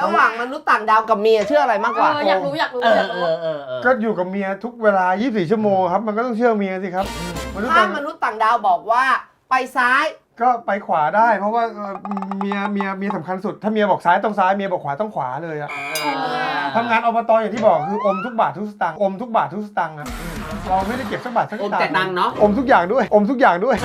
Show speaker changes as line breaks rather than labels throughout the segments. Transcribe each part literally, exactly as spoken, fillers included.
ระหว่างมนุษย์ต่างดาวกับเมียเชื่ออะไรมากกว่า
เอออยากรู้อยากรู้อยากรู้
ก็อยู่กับเมียทุกเวลายี่สิบสี่ชั่วโมงครับมันก็ต้องเชื่อเมียสิครับ
ถ้ามนุษย์ต่างดาวบอกว่าไปซ้าย
ก็ไปขวาได้เพราะว่าเมียเมียเมียสำคัญสุดถ้าเมียบอกซ้ายต้องซ้ายเมียบอกขวาต้องขวาเลยอะทำงานอบตอย่างที่บอกคืออมทุกบาททุกสตางค์อมทุกบาททุกสตางค์อะเราไม่ได้เก็บสักบาทสักสตางค์อมแต่ตังค์เนาะอมทุกอย่างด้วยอมทุกอย่างด้วย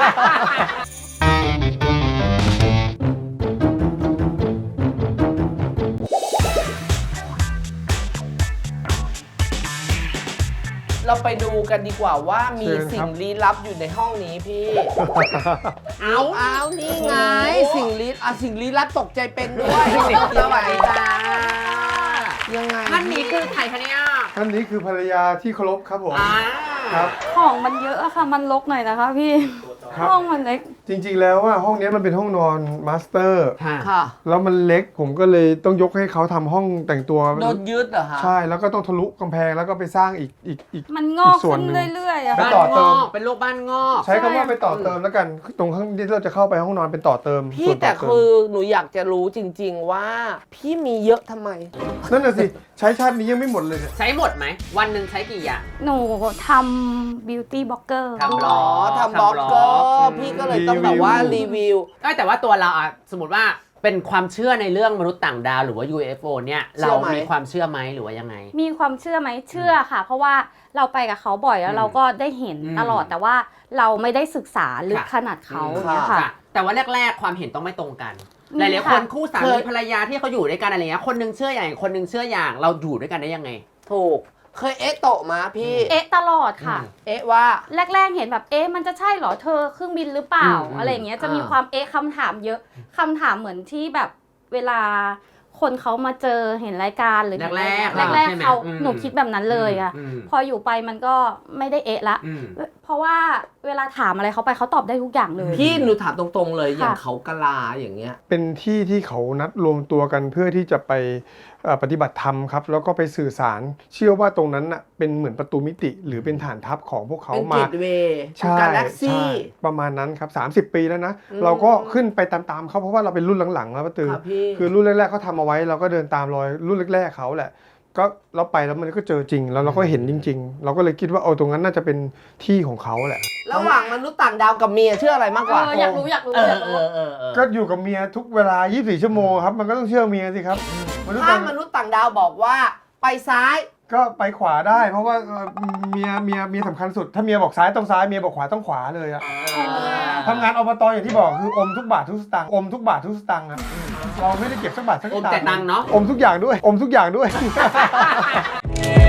เราไปดูกันดีกว่าว่ามีสิ่งลี้ลับอยู่ในห้องนี้พี่ เอาเอานี่ไงสิ่งลี้อ่ะสิ่งลี้ลับตกใจเป็นด้วยสวัสดีจ้ายังไง
ท่านนี้คือใครคะเนี่ย
ท่านนี้คือภรรยาที่เคารพครับผม
ครับ
ของมันเยอะอะค่ะมันรกหน่อยนะคะพี่ห้องมันเล็ก
จริงๆแล้วว่าห้องนี้มันเป็นห้องนอนมาสเตอร์
ค่ะ
แล้วมันเล็กผมก็เลยต้องยกให้เขาทำห้องแต่งตัว
โดนยึดเหรอคะ
ใช่แล้วก็ต้องทะลุกำแพงแล้วก็ไปสร้างอีกอีกอีก
มันงอกขึ้นเรื่อยๆอะ
ไปต่อเติม
เป็นโรคบ้านงอก
ใช้คำว่าไปต่อเติมแล้วกันตรงข้างที่เราจะเข้าไปห้องนอนเป็นต่อเติม
พี่แต่คือหนูอยากจะรู้จริงๆว่าพี่มีเยอะทำไม
นั่นน่ะสิใช้ชาตินี้ยังไม่หมดเลย
ใช้หมดไหมวันหนึ่งใช้กี่อย่าง
หนูทำบิวตี้บล็อกเกอร์
ทำบล็อก
ทำบล็อกเกอร์พี่ก็เลยต้องแบบว่ารีวิว
แต่ว่าตัวเราอะสมมติว่าเป็นความเชื่อในเรื่องมนุษย์ต่างดาวหรือว่า ยู เอฟ โอ เนี่ยเรามีความเชื่อไหมหรือว่ายังไง
มีความเชื่อไหมเชื่อค่ะเพราะว่าเราไปกับเขาบ่อยแล้วเราก็ได้เห็นตลอดแต่ว่าเราไม่ได้ศึกษาลึกขนาดเขาเนี่ยค่ะ
แต่ว่าแรกๆความเห็นต้องไม่ตรงกันหลายๆคนคู่สามีภรรยาที่เขาอยู่ด้วยกันอะไรเงี้ยคนนึงเชื่ออย่างคนนึงเชื่ออย่างเราอยู่ด้วยกันได้ยังไง
ถูกเคยเอ๊ะโตมาพี่
เอ๊ะตลอดค่ะ
เอ๊ะว่า
แรกๆเห็นแบบเอ๊ะมันจะใช่เหรอเธอเครื่องบินหรือเปล่าอะไรอย่างเงี้ยจะมีความเอ๊ะคำถามเยอะคำถามเหมือนที่แบบเวลาคนเขามาเจอเห็นรายการหรือ
แรก
ๆแรกๆเขาหนูคิดแบบนั้นเลยอะพออยู่ไปมันก็ไม่ได้เอ๊ะละเพราะว่าเวลาถามอะไรเขาไปเขาตอบได้ทุกอย่างเลย
พี่หนูถามตรงๆเลยอย่างเขากะลาอย่างเงี้ย
เป็นที่ที่เขานัดรวมตัวกันเพื่อที่จะไปปฏิบัติธรรมครับแล้วก็ไปสื่อสารเชื่อว่าตรงนั้นน่ะเป็นเหมือนประตูมิติหรือเป็นฐานทัพของพวกเขามา
เป็นเกตเวย์กาแล็กซี่
ประมาณนั้นครับสามสิบปีแล้วนะเราก็ขึ้นไปตามๆเขาเพราะว่าเราเป็นรุ่นหลังๆแล้วป้าตือคือรุ่นแรกๆเขาทำเอาไว้เราก็เดินตามรอยรุ่นแรกๆเขาแหละก็เราไปแล้วมันก็เจอจริงแล้วเราก็เห็นจริงๆเราก็เลยคิดว่าเอาตรงนั้นน่าจะเป็นที่ของเขาแหละ
ระหว่างมนุษย์ต่างดาวกับเมียเชื่ออะไรมากกว่า
อยากรู้อยากรู้อยากรู้
ก็อยู่กับเมียทุกเวลายี่สิบสี่ชั่วโมงครับมันก็ต้องเชื่อเมียสิครับ
ถ้ามนุษย์ต่างดาวบอกว่าไปซ้าย
ก็ไปขวาได้เพราะว่าเมียเมียเมียสำคัญสุดถ้าเมียบอกซ้ายต้องซ้ายเมียบอกขวาต้องขวาเลยอะทำงานอบตอย่างที่บอกคืออมทุกบาททุกสตางค์อมทุกบาททุกสตางค์อะเราไม่ได้เก็บสักบาทสักสตางค์
อมแต่ตังค์เนาะ
อมทุกอย่างด้วยอมทุกอย่างด้วย